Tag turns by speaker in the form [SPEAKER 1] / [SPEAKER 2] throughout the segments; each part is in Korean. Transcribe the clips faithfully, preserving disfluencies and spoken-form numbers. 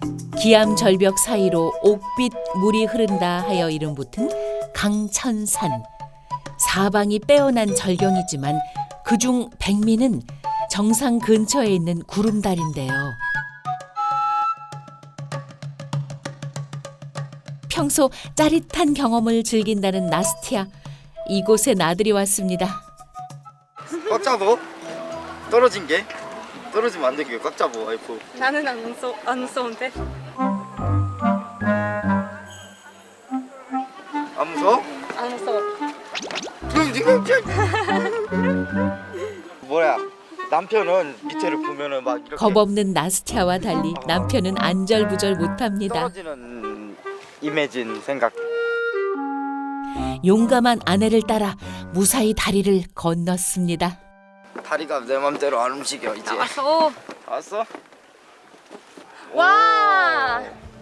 [SPEAKER 1] 기암 절벽 사이로 옥빛 물이 흐른다 하여 이름 붙은 강천산. 사방이 빼어난 절경이지만 그중 백미는 정상 근처에 있는 구름다리인데요. 평소 짜릿한 경험을 즐긴다는 나스티아. 이곳에 나들이 왔습니다.
[SPEAKER 2] 꽉 잡어. 떨어진 게 떨어지면 안 되게 꽉 잡어 와이프.
[SPEAKER 3] 나는 안 무서 안 무서운데.
[SPEAKER 2] 안 무서워?
[SPEAKER 3] 안 무서워.
[SPEAKER 2] 뭐야? 남편은 밑에를 보면은 막 이렇게
[SPEAKER 1] 겁없는 나스티아와 달리 남편은 안절부절 못합니다.
[SPEAKER 2] 떨어지는 이매진 생각.
[SPEAKER 1] 용감한 아내를 따라 무사히 다리를 건넜습니다.
[SPEAKER 2] 다리가 내 맘대로 안 움직여 이제.
[SPEAKER 3] 왔어.
[SPEAKER 2] 왔어?
[SPEAKER 3] 와.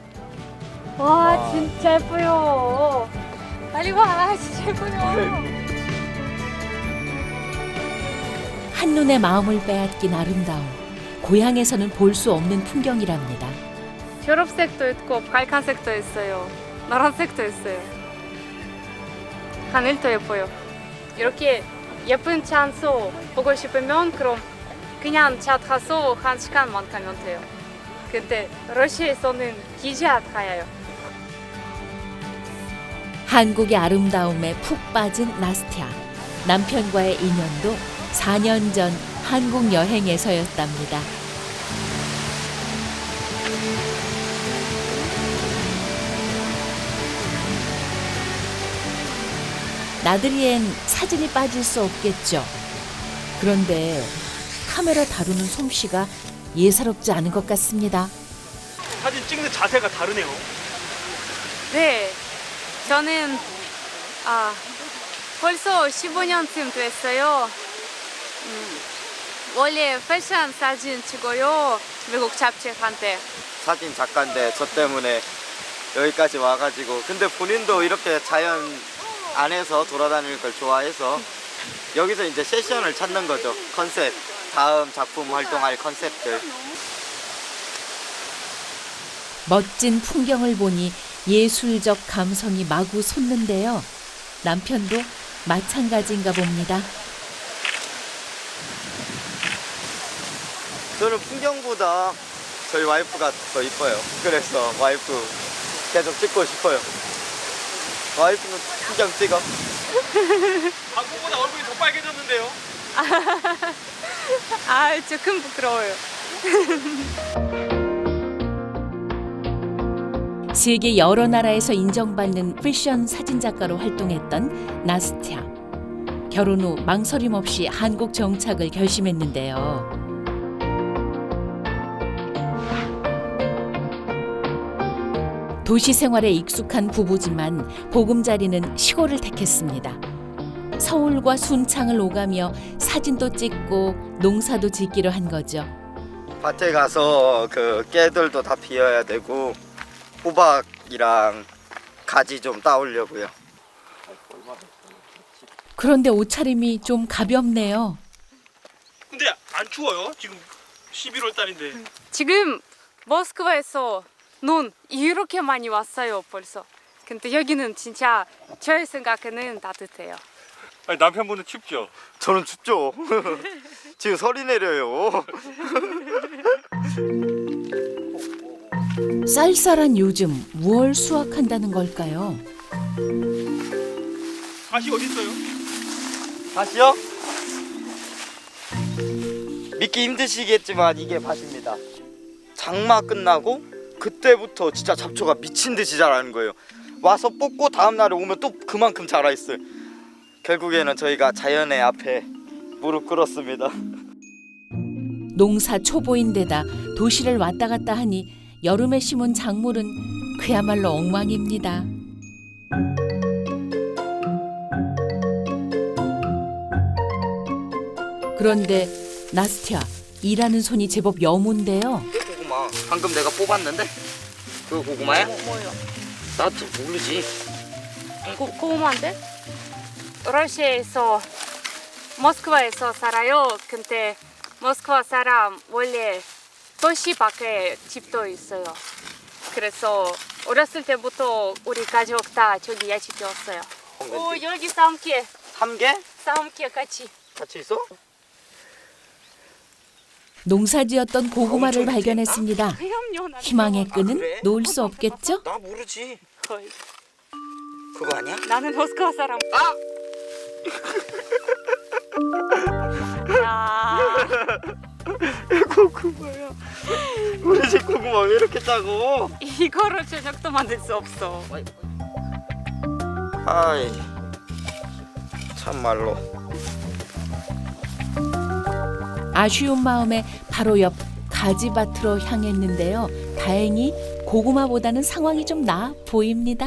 [SPEAKER 3] 와 진짜 예뻐요. 빨리 와 진짜 예뻐요.
[SPEAKER 1] 한눈에 마음을 빼앗긴 아름다움. 고향에서는 볼 수 없는 풍경이랍니다.
[SPEAKER 3] 초록색도 있고 빨간색도 있어요. 노란색도 있어요. 하늘도 예뻐요. 이렇게 예쁜 찬소 보고 싶으면 그럼 그냥 차 타서 한 시간만 가면 돼요. 근데 러시아에서는 기차 타요.
[SPEAKER 1] 한국의 아름다움에 푹 빠진 나스티아. 남편과의 인연도 사 년 전 한국 여행에서였답니다. 나들이엔 사진이 빠질 수 없겠죠. 그런데 카메라 다루는 솜씨가 예사롭지 않은 것 같습니다.
[SPEAKER 4] 사진 찍는 자세가 다르네요.
[SPEAKER 3] 네, 저는 아 벌써 십오 년쯤 됐어요. 음, 원래 패션 사진 찍어요. 미국 잡지한테.
[SPEAKER 2] 사진 작가인데 저 때문에 여기까지 와가지고. 근데 본인도 이렇게 자연 안에서 돌아다니는 걸 좋아해서 여기서 이제 세션을 찾는 거죠. 컨셉, 다음 작품 활동할 컨셉들.
[SPEAKER 1] 멋진 풍경을 보니 예술적 감성이 마구 솟는데요. 남편도 마찬가지인가 봅니다.
[SPEAKER 2] 저는 풍경보다 저희 와이프가 더 이뻐요. 그래서 와이프 계속 찍고 싶어요. 와이프는 풍경 찍어.
[SPEAKER 4] 방금보다 얼굴이 더 빨개졌는데요.
[SPEAKER 3] 아, 조금 부끄러워요.
[SPEAKER 1] 세계 여러 나라에서 인정받는 패션 사진작가로 활동했던 나스티아. 결혼 후 망설임 없이 한국 정착을 결심했는데요. 도시 생활에 익숙한 부부지만 보금자리는 시골을 택했습니다. 서울과 순창을 오가며 사진도 찍고 농사도 짓기로 한 거죠.
[SPEAKER 2] 밭에 가서 그 깨들도 다 비워야 되고 호박이랑 가지 좀 따오려고요.
[SPEAKER 1] 그런데 옷차림이 좀 가볍네요.
[SPEAKER 4] 근데 안 추워요? 지금 십일월 달인데.
[SPEAKER 3] 지금 모스크바에서 눈 이렇게 많이 왔어요 벌써. 근데 여기는 진짜 저의 생각에는 따뜻해요.
[SPEAKER 4] 아니, 남편분은 춥죠?
[SPEAKER 2] 저는 춥죠. 지금 설이 내려요.
[SPEAKER 1] 쌀쌀한 요즘 무얼 수확한다는 걸까요?
[SPEAKER 4] 밭이 어디 있어요?
[SPEAKER 2] 밭이요? 믿기 힘드시겠지만 이게 밭입니다. 장마 끝나고 그때부터 진짜 잡초가 미친 듯이 자라는 거예요. 와서 뽑고 다음 날에 오면 또 그만큼 자라 있어요. 결국에는 저희가 자연의 앞에 무릎 꿇었습니다.
[SPEAKER 1] 농사 초보인데다 도시를 왔다 갔다 하니 여름에 심은 작물은 그야말로 엉망입니다. 그런데 나스티아, 일하는 손이 제법 여문데요.
[SPEAKER 2] 고구마 방금 내가 뽑았는데 그거 고구마야?
[SPEAKER 3] 뭐, 뭐요?
[SPEAKER 2] 나도 모르지.
[SPEAKER 3] 고, 고구마인데? 러시아에서 모스크바에서 살아요. 근데 모스크바 사람 원래 도시 밖에 집도 있어요. 그래서 어렸을 때부터 우리 가족 다 저기 야채 키웠어요. 오, 여기 삼개,
[SPEAKER 2] 삼개?
[SPEAKER 3] 삼개 같이.
[SPEAKER 2] 같이 있어?
[SPEAKER 1] 농사지었던 고구마를
[SPEAKER 2] 엄청
[SPEAKER 1] 발견했습니다.
[SPEAKER 3] 그럼요. 나는
[SPEAKER 1] 희망의
[SPEAKER 3] 그거
[SPEAKER 1] 끈은
[SPEAKER 2] 그래?
[SPEAKER 1] 놓을 수 없겠죠?
[SPEAKER 2] 나 모르지.
[SPEAKER 3] 거의.
[SPEAKER 2] 그거 아니야?
[SPEAKER 3] 나는 모스크바 사람.
[SPEAKER 2] 아!
[SPEAKER 3] 야.
[SPEAKER 2] 고구마야. 우리 집 고구마 왜 이렇게 작어?
[SPEAKER 3] 이거로 저녁도 만들 수 없어.
[SPEAKER 2] 아이, 참말로.
[SPEAKER 1] 아쉬운 마음에 바로 옆 가지밭으로 향했는데요. 다행히 고구마보다는 상황이 좀 나아 보입니다.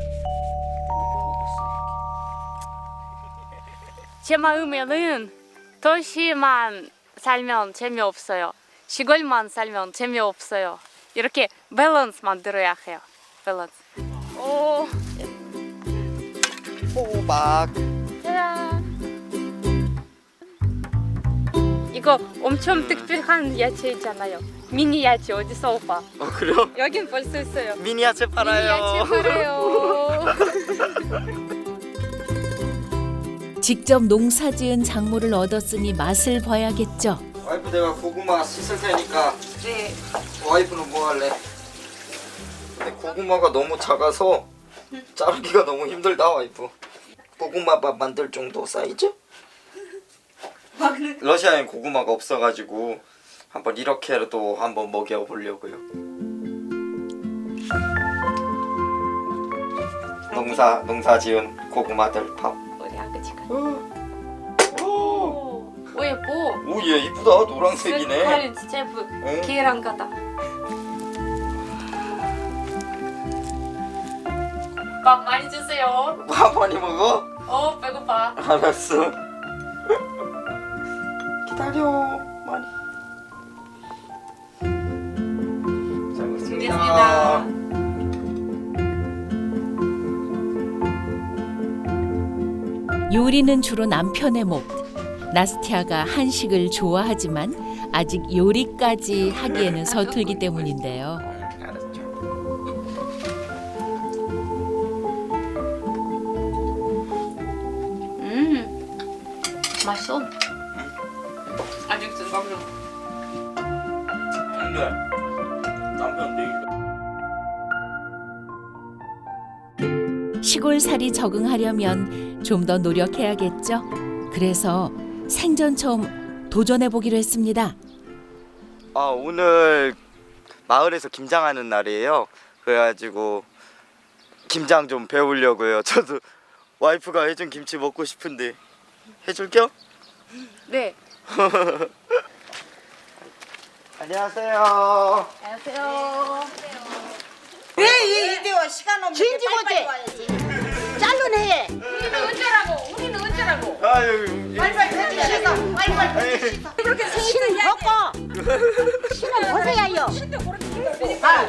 [SPEAKER 3] 제 마음에는 도시만 살면 재미없어요. 시골만 살면 재미없어요. 이렇게 밸런스 만들어야 해요. 밸런스. 오,
[SPEAKER 2] 호박.
[SPEAKER 3] 짜잔. 이거 엄청 특별한 야채 있잖아요. 미니 야채 어디서 오빠?
[SPEAKER 2] 어, 그래요?
[SPEAKER 3] 여긴 볼 수 있어요.
[SPEAKER 2] 미니 야채 팔아요.
[SPEAKER 3] 미니 야채 팔아요.
[SPEAKER 1] 직접 농사지은 작물을 얻었으니 맛을 봐야겠죠.
[SPEAKER 2] 와이프 내가 고구마 씻을 테니까
[SPEAKER 3] 네.
[SPEAKER 2] 와이프는 뭐 할래? 근데 고구마가 너무 작아서 자르기가 너무 힘들다 와이프. 고구마밥 만들 정도 사이즈? 러시아엔 고구마가 없어가지고 한번 이렇게라도 한번 먹여보려고요. 농사 농사 지은 고구마들 밥.
[SPEAKER 3] 우리 아가씨가.
[SPEAKER 2] 오,
[SPEAKER 3] 오, 오 예뻐.
[SPEAKER 2] 오얘 이쁘다 노란색이네.
[SPEAKER 3] 색깔이 진짜 예뻐.
[SPEAKER 2] 응?
[SPEAKER 3] 계란 같다. 밥 많이 주세요.
[SPEAKER 2] 밥 많이 먹어?
[SPEAKER 3] 어, 배고파.
[SPEAKER 2] 알았어. 기다려 많이. 잘 먹겠습니다.
[SPEAKER 1] 요리는 주로 남편의 몫. 나스티아가 한식을 좋아하지만 아직 요리까지 하기에는 서툴기 때문인데요.
[SPEAKER 2] 알았죠.
[SPEAKER 3] 음, 맛있어. 아직 좀 먹어.
[SPEAKER 2] 근데 남편 내일
[SPEAKER 1] 시골살이 적응하려면 좀 더 노력해야겠죠. 그래서 생전 처음 도전해 보기로 했습니다.
[SPEAKER 2] 아 오늘 마을에서 김장하는 날이에요. 그래가지고 김장 좀 배우려고요. 저도 와이프가 해준 김치 먹고 싶은데 해줄게요?
[SPEAKER 3] 네.
[SPEAKER 2] 안녕하세요.
[SPEAKER 3] 안녕하세요.
[SPEAKER 5] 왜 이대와 시간 없는데 빨리빨리 와야지. 잘르네.
[SPEAKER 3] 우리는 언제라고? 우리는 언제라고?
[SPEAKER 2] 아유,
[SPEAKER 5] 빨리빨리 해주셔서 빨리빨리 해주셔서. 그렇게 신은 벗고 신은 벗어야요. 아,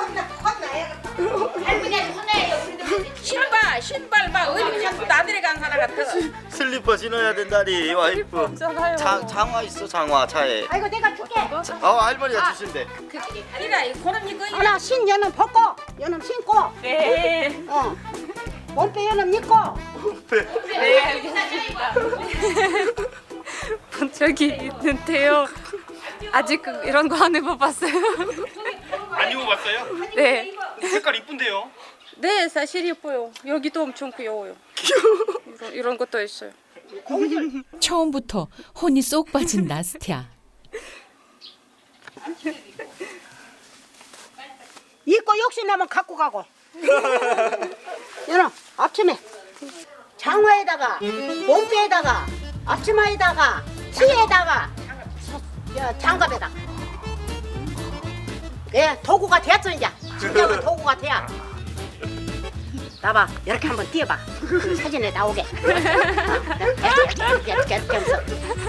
[SPEAKER 5] 할머니한테 혼나요.
[SPEAKER 6] 신발 신발 막 어디 자꾸 나들이 간 사람 같아.
[SPEAKER 2] 슬리퍼 신어야 된다니 와이프.
[SPEAKER 3] 없잖아요.
[SPEAKER 2] 장, 장화 있어 장화 차에.
[SPEAKER 5] 아이고 내가 줄게.
[SPEAKER 2] 어 할머니가 주신대.
[SPEAKER 6] 아니라 이 그럼 이거
[SPEAKER 5] 하나 신 여는 벗고 여는 신고.
[SPEAKER 3] 네.
[SPEAKER 5] 어. 몸빼 여는 입고.
[SPEAKER 3] 네, 알겠습니다. 본 적이 있는데요. 아직 이런 거 안 해봐봤어요.
[SPEAKER 4] 안 입어봤어요?
[SPEAKER 3] 네.
[SPEAKER 4] 색깔 이쁜데요?
[SPEAKER 3] 네, 사실 예뻐요. 여기도 엄청 귀여워요. 이런, 이런 것도 있어요.
[SPEAKER 1] 처음부터 혼이 쏙 빠진 나스티아.
[SPEAKER 5] 입고 욕심나면 갖고 가고. 여는 아침에 장화에다가 몸빼에다가 앞치마에다가 티에다가 저, 장갑에다가. 예, 도구가 되었어 이제. 진정한 도구가 돼야. 나봐, 이렇게 한번 띄워봐. 그 사진에 나오게. 이렇게 이렇게 이렇게 하면서.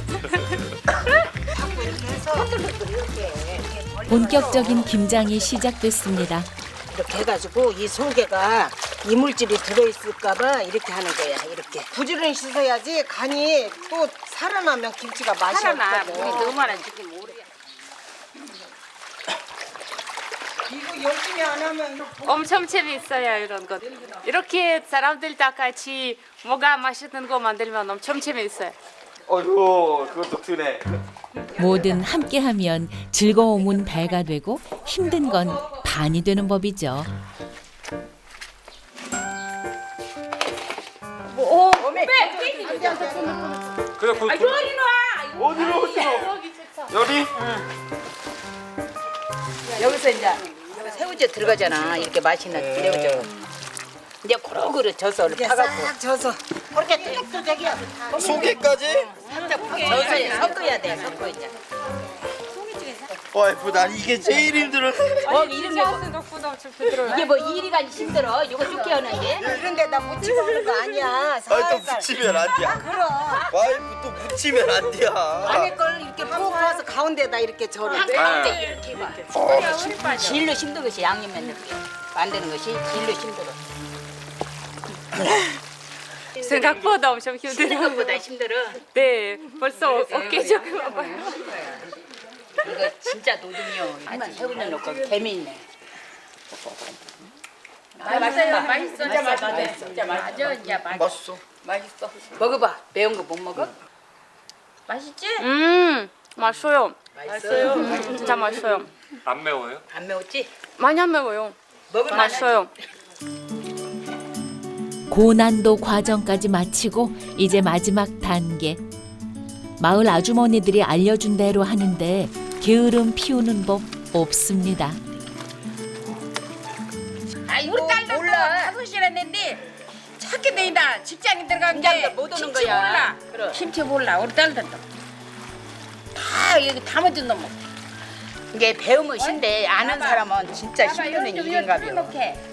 [SPEAKER 5] 자꾸 이렇게 해서 이렇게
[SPEAKER 1] 본격적인 김장이 시작됐습니다.
[SPEAKER 5] 이렇게 해가지고 이 속에가 이물질이 들어있을까봐 이렇게 하는 거야. 이렇게.
[SPEAKER 6] 부지런히 씻어야지 간이 또 살아나면 김치가 맛이
[SPEAKER 3] 살아나.
[SPEAKER 6] 없거든.
[SPEAKER 3] 물이 너무 많아 지금 모르게.
[SPEAKER 6] 열심히 안 하면
[SPEAKER 3] 엄청 재미있어요 이런 것. 이렇게 사람들 다 같이 뭐가 맛있는 거 만들면 엄청 재미있어요.
[SPEAKER 2] 어이구 그것도 드네.
[SPEAKER 1] 뭐든 함께하면 즐거움은 배가 되고 힘든 건 반이 되는 법이죠.
[SPEAKER 4] 그래 그, 그,
[SPEAKER 2] 어디로 어디로? 여기?
[SPEAKER 5] 여기서 이제 새우젓 들어가잖아. 이렇게 맛있는 새우젓. 이제 고루고루 져서 파갖고
[SPEAKER 6] 져서
[SPEAKER 5] 그렇게 뚜둑뚜둑이야.
[SPEAKER 2] 소개까지?
[SPEAKER 5] 져서 섞어야 돼. 섞어 이제.
[SPEAKER 2] 와이프 난 이게 제일 힘들어.
[SPEAKER 5] 어 이런 게 뭐,
[SPEAKER 3] 생각보다 엄청 부드러워요.
[SPEAKER 5] 이게 뭐 일이가 힘들어. 이거 쭉 하는 게.
[SPEAKER 6] 이런 데다 묻히고 하는 거 아니야.
[SPEAKER 2] 아니 또 묻히면 안 돼.
[SPEAKER 6] 그럼
[SPEAKER 2] 와이프 또 묻히면 안 돼.
[SPEAKER 6] 안에 걸 이렇게 푹 퍼서 가운데다 이렇게 절어.
[SPEAKER 5] 한 가운데 이렇게 봐. 질로 힘든 것이 양념 만드는 게. 만드는 것이 질로 힘들어.
[SPEAKER 3] 생각보다 엄청 힘들어요.
[SPEAKER 5] 생각보다 힘들어.
[SPEAKER 3] 네, 벌써 어깨 조금 아파요.
[SPEAKER 5] 이거 진짜 노동요. 이만 새우젓 넣고 개미있네. 맛있어, 맛있어, 진짜 맛있어, 진짜 맛있어, 진짜 맛있어.
[SPEAKER 2] 맛있어.
[SPEAKER 5] 맛있어. 먹어봐. 매운 거 못 먹어? 맛있지?
[SPEAKER 3] 음, 맛있어요.
[SPEAKER 5] 맛있어요.
[SPEAKER 3] 음, 진짜 맛있어요.
[SPEAKER 4] 안 매워요?
[SPEAKER 5] 안 매웠지?
[SPEAKER 3] 많이 안 매워요.
[SPEAKER 5] 먹을
[SPEAKER 3] 맛있어요.
[SPEAKER 1] 고난도 과정까지 마치고 이제 마지막 단계. 마을 아주머니들이 알려준 대로 하는데 게으름 피우는 법 없습니다.
[SPEAKER 6] 아이고 우리 딸도 몰라. 다섯 시나 냈는데 찾게 되다 직장에 들어간 게
[SPEAKER 5] 직장도 못 오는
[SPEAKER 6] 김치
[SPEAKER 5] 거야.
[SPEAKER 6] 몰라.
[SPEAKER 5] 그럼.
[SPEAKER 6] 김치 몰라. 우리 딸들도 다 여기 담아준 놈.
[SPEAKER 5] 이게 배우면 신데 아는 사람은 진짜 힘드는 일인가벼.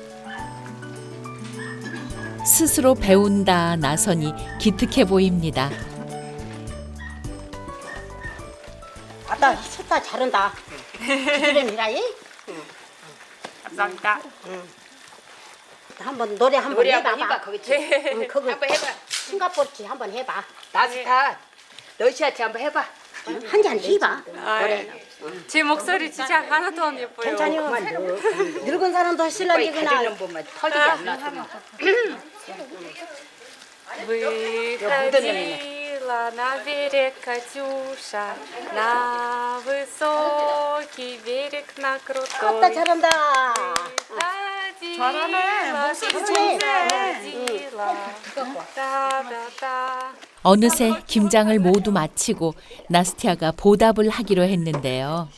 [SPEAKER 1] 스스로 배운다 나서니 기특해 보입니다.
[SPEAKER 5] 아따 셋다 잘한다. 이름이라이?
[SPEAKER 3] 감사합니다.
[SPEAKER 5] 한번 노래 한번
[SPEAKER 6] 노래
[SPEAKER 5] 해봐봐.
[SPEAKER 6] 한번 해봐, 거기지.
[SPEAKER 5] 응, 그거
[SPEAKER 6] 한번 해봐.
[SPEAKER 5] 싱가포르치 한번 해봐. 나스타 러시아치 한번 해봐. 한 잔 해봐. 노래.
[SPEAKER 3] 제 목소리 진짜 하나도 안 예뻐요.
[SPEAKER 5] 괜찮아요. 늙은 사람도 신랑이구나. 가리는 것만 털리지 않나.
[SPEAKER 3] Выходила на берег Катюша, на высокий берег, на
[SPEAKER 5] 아따
[SPEAKER 3] крутой.
[SPEAKER 5] 잘한다.
[SPEAKER 3] 잘하네. 목소리 다다다.
[SPEAKER 1] 어느새 김장을 모두 마치고 나스티아가 보답을 하기로 했는데요.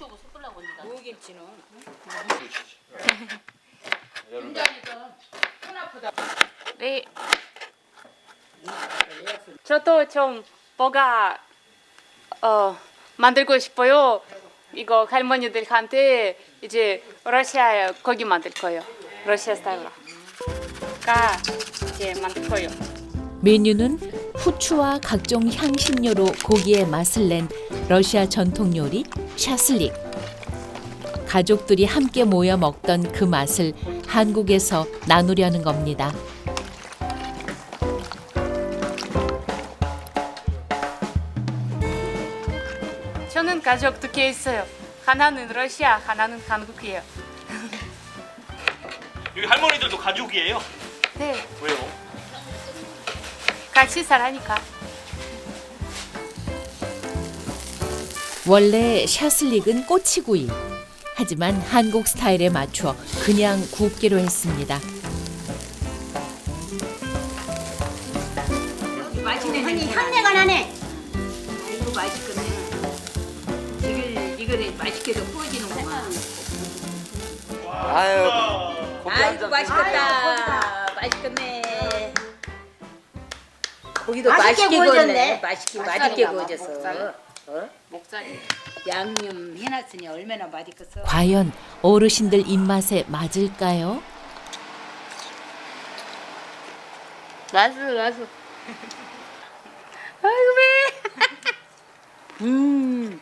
[SPEAKER 3] 네. 저도 좀 뭐가 어 만들고 싶어요. 이거 할머니들한테 이제 러시아 고기 만들 거예요. 러시아 스타일로. 가 이제 만들 거예요.
[SPEAKER 1] 메뉴는 후추와 각종 향신료로 고기의 맛을 낸 러시아 전통 요리 샤슬릭. 가족들이 함께 모여 먹던 그 맛을 한국에서 나누려는 겁니다.
[SPEAKER 3] 저는 가족 두 개 있어요. 하나는 러시아, 하나는 한국이에요.
[SPEAKER 4] 여기 할머니들도 가족이에요?
[SPEAKER 3] 네,
[SPEAKER 4] 왜요?
[SPEAKER 3] 같이 살아니까.
[SPEAKER 1] 원래 샤슬릭은 꼬치구이. 하지만 한국 스타일에 맞춰 그냥 굽기로 했습니다.
[SPEAKER 5] 맛있네. 아니 향내가 나네. 아이고 맛있겠네. 이걸 이거를 맛있게도 구워지는구만.
[SPEAKER 2] 아유. 고기 한
[SPEAKER 5] 아이고
[SPEAKER 2] 잔
[SPEAKER 5] 맛있겠다. 맛있겠네. 고기도
[SPEAKER 6] 맛있게
[SPEAKER 5] 맛있게
[SPEAKER 6] 구워졌네.
[SPEAKER 5] 구웠네. 맛있게 맛있게 구워졌어. 어?
[SPEAKER 3] 목살이.
[SPEAKER 5] 양념 해놨으니 얼마나 맛있겠어.
[SPEAKER 1] 과연 어르신들 입맛에 맞을까요?
[SPEAKER 3] 맛있어, 맛있어. 아이고 배.
[SPEAKER 5] 음.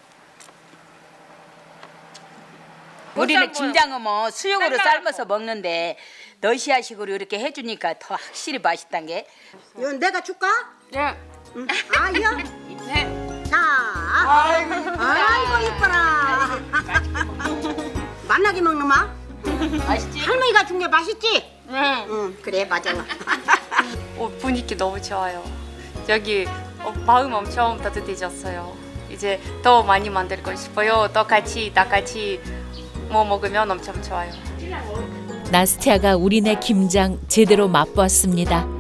[SPEAKER 5] 우리는 김장은 뭐 수육으로 삶아서 먹는데 러시아식으로 이렇게 해주니까 더 확실히 맛있단 게.
[SPEAKER 6] 이거 내가 줄까?
[SPEAKER 3] 네.
[SPEAKER 6] 아이요.
[SPEAKER 3] 네.
[SPEAKER 6] 자. 아이고 이뻐라. 만나게 먹는 마.
[SPEAKER 5] 맛있지?
[SPEAKER 6] 할머니가 준 게 맛있지? 응. 응, 그래, 맞아.
[SPEAKER 3] 어, 분위기 너무 좋아요. 여기 어, 마음 엄청 따뜻해졌어요. 이제 더 많이 만들고 싶어요. 또 같이 다 같이 뭐 먹으면 엄청 좋아요.
[SPEAKER 1] 나스티아가 우리네 김장 제대로 맛보았습니다.